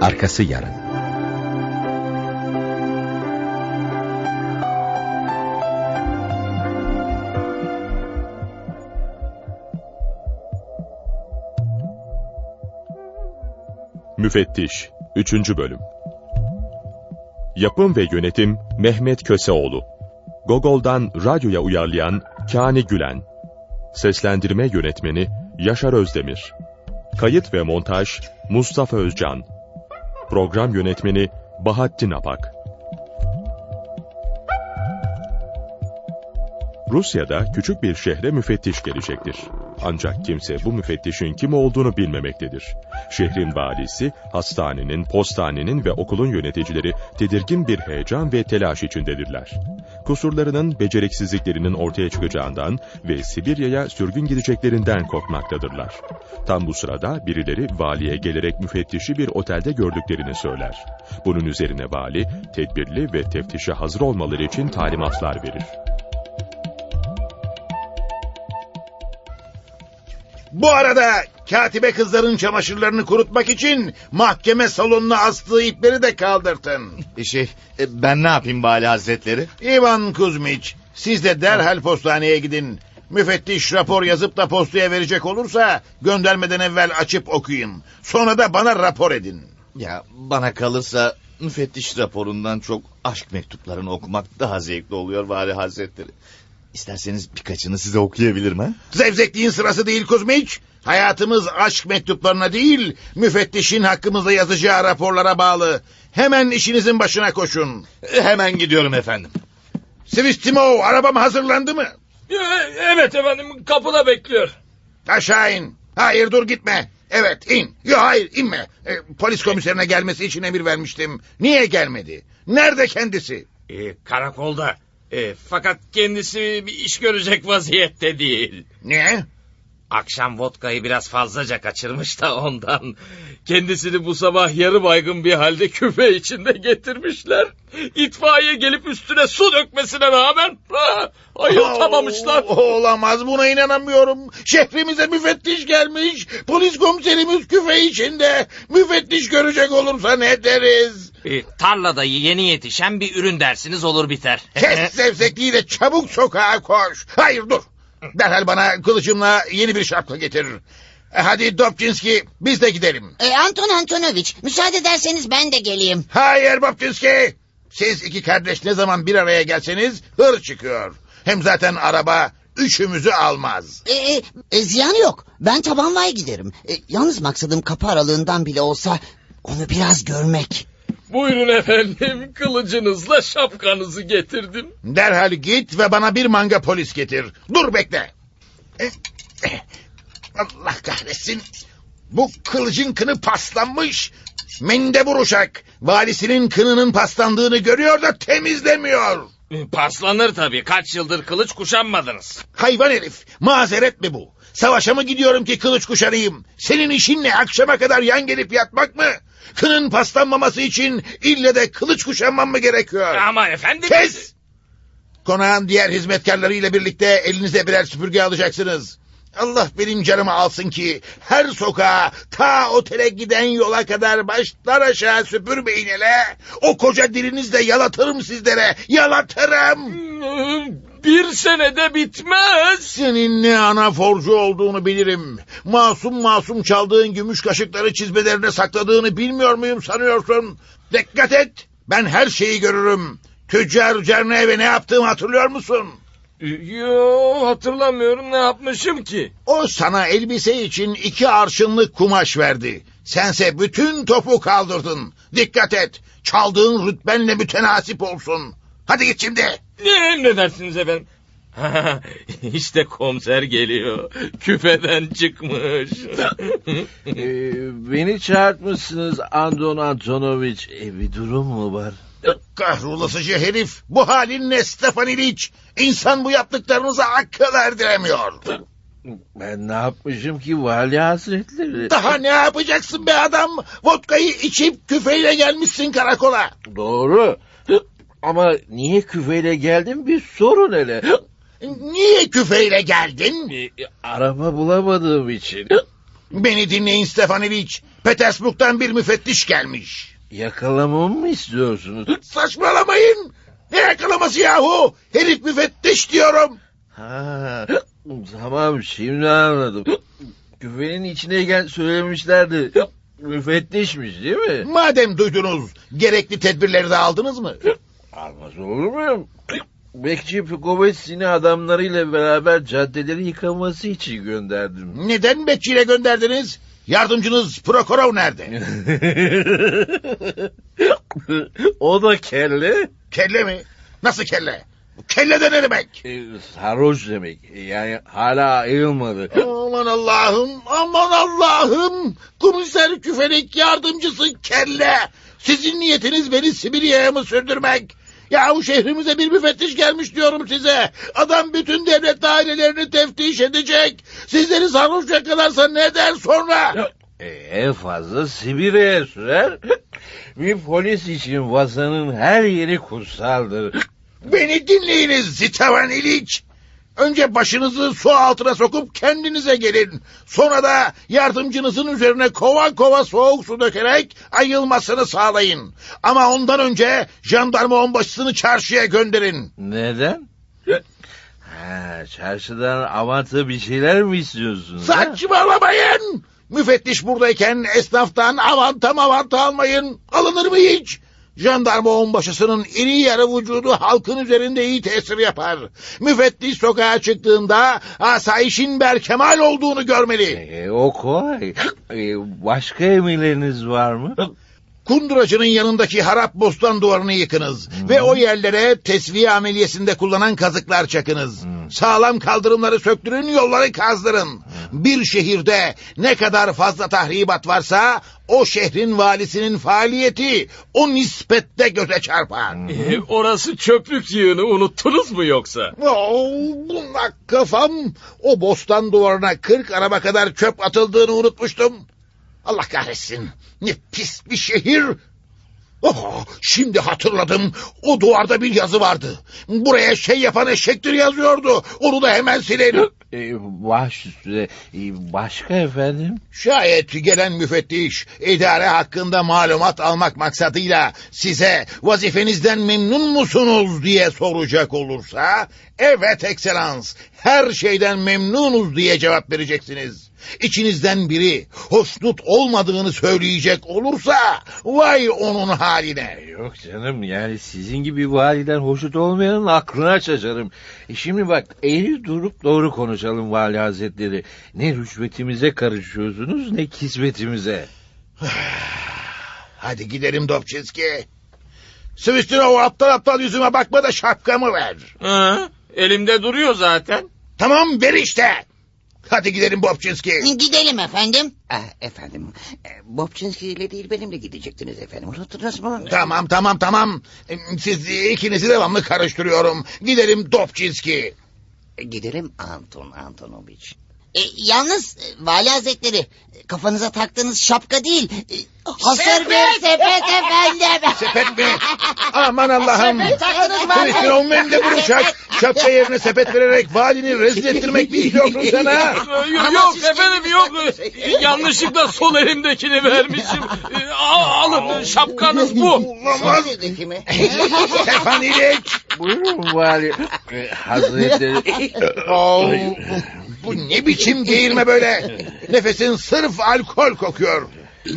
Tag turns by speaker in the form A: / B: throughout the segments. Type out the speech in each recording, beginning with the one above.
A: Arkası yarın.
B: Müfettiş 3. Bölüm. Yapım ve yönetim Mehmet Köseoğlu. Gogol'dan radyoya uyarlayan Kani Gülen. Seslendirme yönetmeni Yaşar Özdemir. Kayıt ve montaj Mustafa Özcan. Program yönetmeni Bahattin Apak. Rusya'da küçük bir şehre müfettiş gelecektir. Ancak kimse bu müfettişin kim olduğunu bilmemektedir. Şehrin valisi, hastanenin, postanenin ve okulun yöneticileri tedirgin bir heyecan ve telaş içindedirler. Kusurlarının, beceriksizliklerinin ortaya çıkacağından ve Sibirya'ya sürgün gideceklerinden korkmaktadırlar. Tam bu sırada birileri valiye gelerek müfettişi bir otelde gördüklerini söyler. Bunun üzerine vali, tedbirli ve teftişe hazır olmaları için talimatlar verir.
C: Bu arada katibe kızların çamaşırlarını kurutmak için mahkeme salonuna astığı ipleri de kaldırtın.
D: Ben ne yapayım Vali Hazretleri?
C: İvan Kuzmiç, siz de derhal postaneye gidin. Müfettiş rapor yazıp da postaya verecek olursa göndermeden evvel açıp okuyun. Sonra da bana rapor edin.
D: Ya bana kalırsa müfettiş raporundan çok aşk mektuplarını okumak daha zevkli oluyor Vali Hazretleri. İsterseniz birkaçını size okuyabilirim ha?
C: Zevzekliğin sırası değil Kuzmiç. Hayatımız aşk mektuplarına değil, müfettişin hakkımızda yazacağı raporlara bağlı. Hemen işinizin başına koşun.
D: Hemen gidiyorum efendim.
C: Sivistimo, arabam hazırlandı mı?
E: Evet efendim, kapıda bekliyor.
C: Aşağı in. Hayır, dur gitme. Evet, in. Yok, hayır, inme. Polis komiserine gelmesi için emir vermiştim. Niye gelmedi? Nerede kendisi?
E: Karakolda. Fakat kendisi bir iş görecek vaziyette değil.
C: Niye?
E: Akşam vodkayı biraz fazlaca kaçırmış da ondan. Kendisini bu sabah yarı baygın bir halde küfe içinde getirmişler. İtfaiye gelip üstüne su dökmesine rağmen ayıltamamışlar.
C: Olamaz, buna inanamıyorum. Şehrimize müfettiş gelmiş. Polis komiserimiz küfe içinde. Müfettiş görecek olursa ne deriz?
E: Tarlada yeni yetişen bir ürün dersiniz, olur biter.
C: Kes zevzekliği de çabuk sokağa koş. Hayır, dur. Derhal bana kılıcımla yeni bir şapka getir. Hadi Dobçinski, biz de gidelim.
F: Anton Antonovich, müsaade ederseniz ben de geleyim.
C: Hayır Dobçinski. Siz iki kardeş ne zaman bir araya gelseniz hır çıkıyor. Hem zaten araba üçümüzü almaz.
F: Ziyanı yok. Ben tabanvay giderim. Yalnız maksadım kapı aralığından bile olsa onu biraz görmek.
E: Buyurun efendim, kılıcınızla şapkanızı getirdim.
C: Derhal git ve bana bir manga polis getir. Dur, bekle. Allah kahretsin. Bu kılıcın kını paslanmış. Mendebur uşak. Valisinin kınının paslandığını görüyor da temizlemiyor.
E: Paslanır tabii, kaç yıldır kılıç kuşanmadınız.
C: Hayvan herif, mazeret mi bu? Savaşa mı gidiyorum ki kılıç kuşanayım? Senin işin ne, akşama kadar yan gelip yatmak mı? Kının paslanmaması için ille de kılıç kuşanmam mı gerekiyor?
E: Ama efendim...
C: Kes! Konağın diğer hizmetkarlarıyla birlikte elinize birer süpürge alacaksınız. Allah benim canımı alsın ki her sokağa, ta otele giden yola kadar başlar aşağı süpürmeyin hele. O koca dilinizle yalatırım sizlere, yalatırım.
E: Bir senede bitmez.
C: Senin ne anaforcu olduğunu bilirim. Masum masum çaldığın gümüş kaşıkları çizmelerine sakladığını bilmiyor muyum sanıyorsun? Dikkat et, ben her şeyi görürüm. Tüccar Cernev'e ne yaptığımı hatırlıyor musun?
E: Yo, hatırlamıyorum, ne yapmışım ki?
C: O sana elbise için 2 arşınlık kumaş verdi. Sense bütün topu kaldırdın. Dikkat et, çaldığın rütbenle mütenasip olsun. Hadi git şimdi.
E: Ne dersiniz efendim? İşte komiser geliyor. Küfeden çıkmış.
G: Beni çağırtmışsınız Anton Antonovich. Bir durum mu var?
C: Kahrolasıcı herif, bu halin ne Stefan İliç? İnsan bu yaptıklarınıza akıl erdiremiyor.
G: Ben ne yapmışım ki Vali Hazretleri?
C: Daha ne yapacaksın be adam? Vodkayı içip küfeyle gelmişsin karakola.
G: Doğru. Ama niye küfeyle geldim bir sorun hele.
C: Niye küfeyle geldin?
G: Araba bulamadığım için.
C: Beni dinleyin Stefanoviç. Petersburg'dan bir müfettiş gelmiş.
G: Yakalamamı mı istiyorsunuz?
C: Saçmalamayın. Ne yakalaması yahu? Herif müfettiş diyorum.
G: Ha, tamam şimdi anladım. Küfenin içine söylemişlerdi. Müfettişmiş değil mi?
C: Madem duydunuz, gerekli tedbirleri de aldınız mı?
G: Almaz olur muyum? Bekçi Pukovetsini adamlarıyla beraber caddeleri yıkaması için gönderdim.
C: Neden bekçiyle gönderdiniz? Yardımcınız Prokhorov nerede?
G: O da kelle.
C: Kelle mi? Nasıl kelle? Kelle de ne demek?
G: Sarhoş demek. Yani hala ayılmadı.
C: Aman Allah'ım, aman Allah'ım. Komiser Küfelik yardımcısı kelle. Sizin niyetiniz beni Sibirya'ya mı sürdürmek? Yahu şehrimize bir müfettiş gelmiş diyorum size. Adam bütün devlet dairelerini teftiş edecek. Sizleri sarhoş yakalarsa ne der sonra?
G: En fazla Sibirya'ya sürer. Bir polis için vatanın her yeri kutsaldır.
C: Beni dinleyiniz Zitavan İliç. Önce başınızı su altına sokup kendinize gelin. Sonra da yardımcınızın üzerine kova kova soğuk su dökerek ayılmasını sağlayın. Ama ondan önce jandarma onbaşısını çarşıya gönderin.
G: Neden? Çarşıdan avanta bir şeyler mi istiyorsun?
C: Saçmalamayın. Müfettiş buradayken esnaftan avanta almayın. Alınır mı hiç? Jandarma onbaşısının iri yarı vücudu halkın üzerinde iyi tesir yapar. Müfettiş sokağa çıktığında asayişin berkemal olduğunu görmeli.
G: O kolay. Başka emirleriniz var mı?
C: Kunduracının yanındaki harap bostan duvarını yıkınız. Ve o yerlere tesviye ameliyesinde kullanan kazıklar çakınız. Sağlam kaldırımları söktürün, yolları kazdırın. Bir şehirde ne kadar fazla tahribat varsa o şehrin valisinin faaliyeti o nispette göze çarpar.
E: Orası çöplük yığını, unuttunuz mu yoksa?
C: Bunak kafam. O bostan duvarına 40 araba kadar çöp atıldığını unutmuştum. Allah kahretsin. Ne pis bir şehir. Şimdi hatırladım. O duvarda bir yazı vardı. Buraya şey yapan eşektir yazıyordu. Onu da hemen silelim.
G: Baş üstüne. Başka efendim?
C: Şayet gelen müfettiş idare hakkında malumat almak maksadıyla size vazifenizden memnun musunuz diye soracak olursa, evet ekselans, her şeyden memnunuz diye cevap vereceksiniz. İçinizden biri hoşnut olmadığını söyleyecek olursa vay onun haline.
G: Yok canım, yani sizin gibi validen hoşnut olmayanın aklına şaşarım. Şimdi bak, eğri durup doğru konuşalım vali hazretleri. Ne rüşvetimize karışıyorsunuz ne kismetimize.
C: Hadi gidelim Dobçinski. Svistinov, aptal yüzüme bakma da şapkamı ver.
E: Elimde duruyor zaten.
C: Tamam, ver işte. Hadi gidelim Bobçinski.
F: Gidelim efendim.
A: Efendim, Bobçinski ile değil benimle gidecektiniz efendim. Unuttunuz mu?
C: Tamam. Siz ikinizi devamlı karıştırıyorum. Gidelim Dobçinski.
A: Gidelim Antonoviç.
F: Yalnız vali hazretleri, kafanıza taktığınız şapka değil. Hasır bir sepet efendim.
C: Sepet mi? Aman Allah'ım. Svistinov mende bulacak. Şapka yerine sepet vererek valini rezil ettirmek mi istiyorsun sen ha?
E: Yok efendim, yok. Yanlışlıkla sol elimdekini vermişim. Alın, şapkanız bu.
C: Olamaz. Stefan İliç.
G: Buyurun vali hazretleri.
C: Bu ne biçim geğirme böyle? Nefesin sırf alkol kokuyor.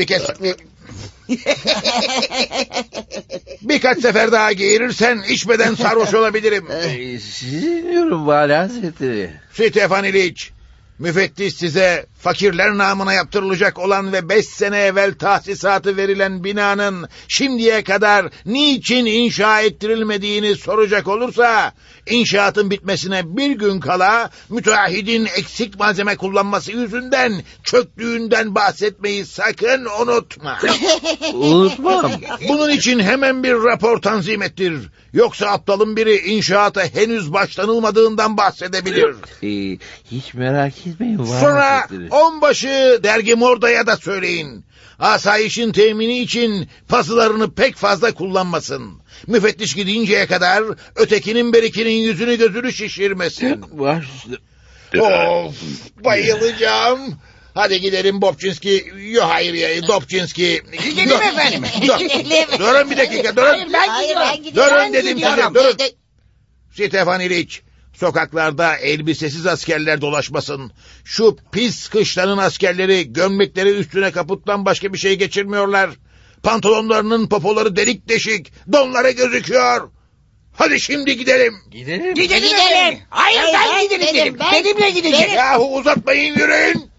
C: Birkaç sefer daha geğirirsen içmeden sarhoş olabilirim.
G: Sizi dinliyorum vali hazretleri.
C: Stefan İliç, müfettiş size fakirler namına yaptırılacak olan ve 5 sene evvel tahsisatı verilen binanın şimdiye kadar niçin inşa ettirilmediğini soracak olursa, inşaatın bitmesine bir gün kala müteahhidin eksik malzeme kullanması yüzünden çöktüğünden bahsetmeyi sakın unutma.
G: Unutmam.
C: Bunun için hemen bir rapor tanzim ettir. Yoksa aptalın biri inşaata henüz başlanılmadığından bahsedebilir.
G: Hiç merak etmeyin vali
C: Sonra
G: hazretleri.
C: onbaşı dergi Morda'ya da söyleyin. Asayişin temini için pazılarını pek fazla kullanmasın. Müfettiş gidinceye kadar ötekinin berikinin yüzünü gözünü şişirmesin.
G: Baş üstüne.
C: Of, bayılacağım. Hadi gidelim Bobçinski. Yo hayır ya Dobçinski.
A: Gidelim efendim.
C: Durun bir dakika durun.
A: Hayır, ben gidiyorum.
C: Durun dedim size
A: gidiyorum.
C: durun. Stefan İliç, sokaklarda elbisesiz askerler dolaşmasın. Şu pis kışlanın askerleri gömlekleri üstüne kaputtan başka bir şey geçirmiyorlar. Pantolonlarının popoları delik deşik, donları gözüküyor. Hadi şimdi gidelim.
G: Gidelim.
A: Gidelim efendim. Hayır, ben gidelim dedim. Benimle gidecek.
C: Yahu uzatmayın yürüyün.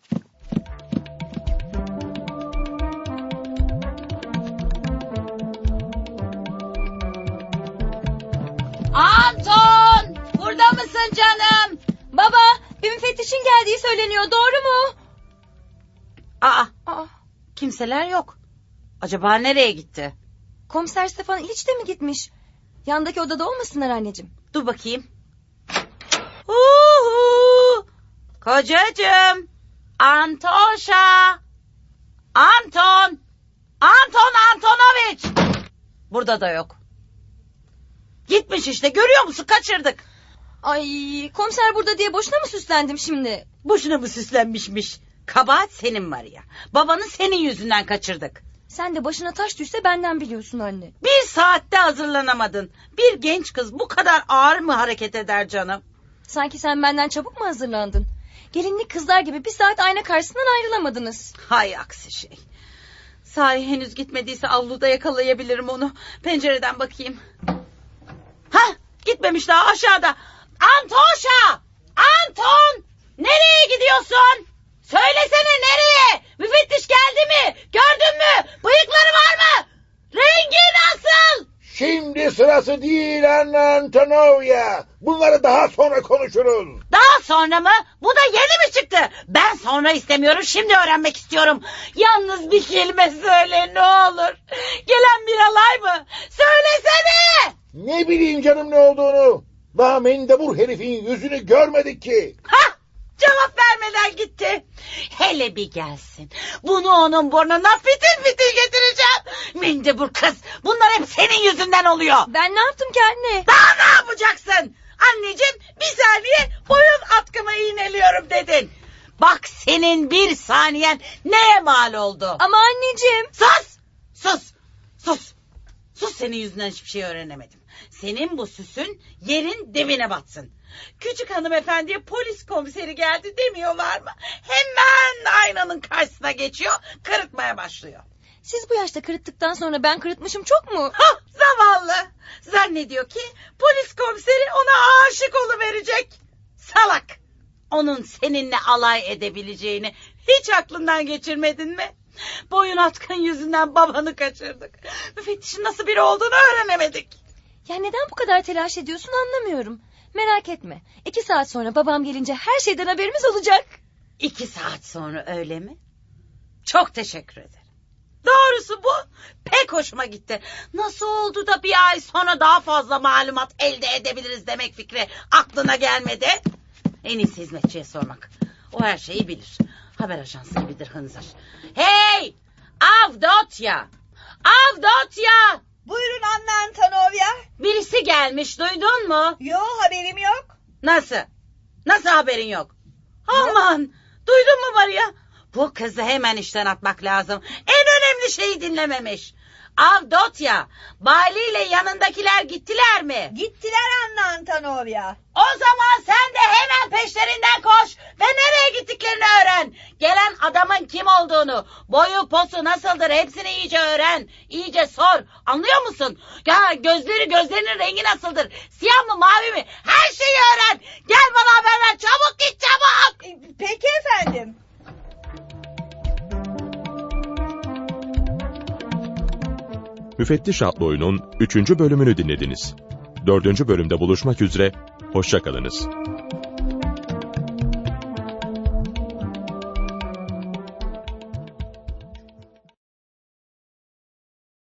H: Anton! Burada mısın canım? Baba, bir müfettişin geldiği söyleniyor, doğru mu?
I: Aa,
H: Aa,
I: kimseler yok. Acaba nereye gitti?
H: komiser Stefan İliç de mi gitmiş? Yandaki odada olmasınlar anneciğim.
I: Dur bakayım. Uhu! Kocacığım. Antoşa. Anton. Anton Antonoviç. Burada da yok. Gitmiş işte, görüyor musun, kaçırdık.
H: Ay, komiser burada diye boşuna mı süslendim şimdi?
I: Boşuna mı süslenmişmiş? Kabahat senin Maria. Babanı senin yüzünden kaçırdık.
H: Sen de başına taş düşse benden biliyorsun anne.
I: Bir saatte hazırlanamadın. Bir genç kız bu kadar ağır mı hareket eder canım?
H: Sanki sen benden çabuk mu hazırlandın? Gelinlik kızlar gibi bir saat ayna karşısından ayrılamadınız.
I: Hay aksi şey. Sahi henüz gitmediyse avluda yakalayabilirim onu. Pencereden bakayım. Hah, gitmemiş daha, aşağıda. Antoşa! Anton! Nereye gidiyorsun? Söylesene nereye? Müfettiş geldi mi? Gördün mü? Bıyıkları var mı? Rengi nasıl?
C: Şimdi sırası değil Anna Antonovya. Bunları daha sonra konuşuruz.
I: Daha sonra mı? Bu da yeni mi çıktı? Ben sonra istemiyorum, şimdi öğrenmek istiyorum. Yalnız bir kelime söyle ne olur. Gelen bir alay mı? Söylesene!
C: Ne bileyim canım ne olduğunu. Daha mendebur herifin yüzünü görmedik ki.
I: Hah! Cevap vermeden gitti. Hele bir gelsin. Bunu onun burnuna fitil fitil getireceğim. Mendebur kız. Bunlar hep senin yüzünden oluyor.
H: Ben ne yaptım ki anne?
I: Daha ne yapacaksın? Anneciğim, bir saniye boyun atkımı iğneliyorum dedin. Bak senin bir saniyen neye mal oldu?
H: Ama anneciğim.
I: Sus! Sus! Sus! Sus, senin yüzünden hiçbir şey öğrenemedim. Senin bu süsün yerin dibine batsın. Küçük hanımefendiye polis komiseri geldi demiyorlar mı? Hemen aynanın karşısına geçiyor, kırıtmaya başlıyor.
H: Siz bu yaşta kırıttıktan sonra ben kırıtmışım çok mu?
I: Hah, zavallı. Zannediyor ki polis komiseri ona aşık oluverecek. Salak. Onun seninle alay edebileceğini hiç aklından geçirmedin mi? Boyun atkın yüzünden babanı kaçırdık. Müfettişin nasıl biri olduğunu öğrenemedik.
H: Ya neden bu kadar telaş ediyorsun anlamıyorum. Merak etme. 2 saat sonra babam gelince her şeyden haberimiz olacak.
I: 2 saat sonra öyle mi? Çok teşekkür ederim. Doğrusu bu pek hoşuma gitti. Nasıl oldu da bir ay sonra daha fazla malumat elde edebiliriz demek fikri aklına gelmedi? En iyisi hizmetçiye sormak. O her şeyi bilir. Haber ajansı gibidir hınzır. Hey! Avdotya! Avdotya!
J: Buyurun Anna Antonovya.
I: Birisi gelmiş, duydun mu?
J: Yo, haberim yok.
I: Nasıl? Nasıl haberin yok? Aman! Duydun mu Maria? Bu kızı hemen işten atmak lazım. En önemli şeyi dinlememiş. Avdotya, Bali ile yanındakiler gittiler mi?
J: Gittiler Anna Antonovya.
I: O zaman sen de hemen peşlerinden koş ve nereye gittiklerini öğren. Gelen adamın kim olduğunu, boyu posu nasıldır hepsini iyice öğren. İyice sor, anlıyor musun? Ya gözlerinin rengi nasıldır? Siyah mı mavi mi? Her şeyi öğren. Gel bana haber ver, çabuk git çabuk.
J: Peki efendim.
B: Müfettiş adlı oyunun 3. bölümünü dinlediniz. 4. bölümde buluşmak üzere, hoşça kalınız.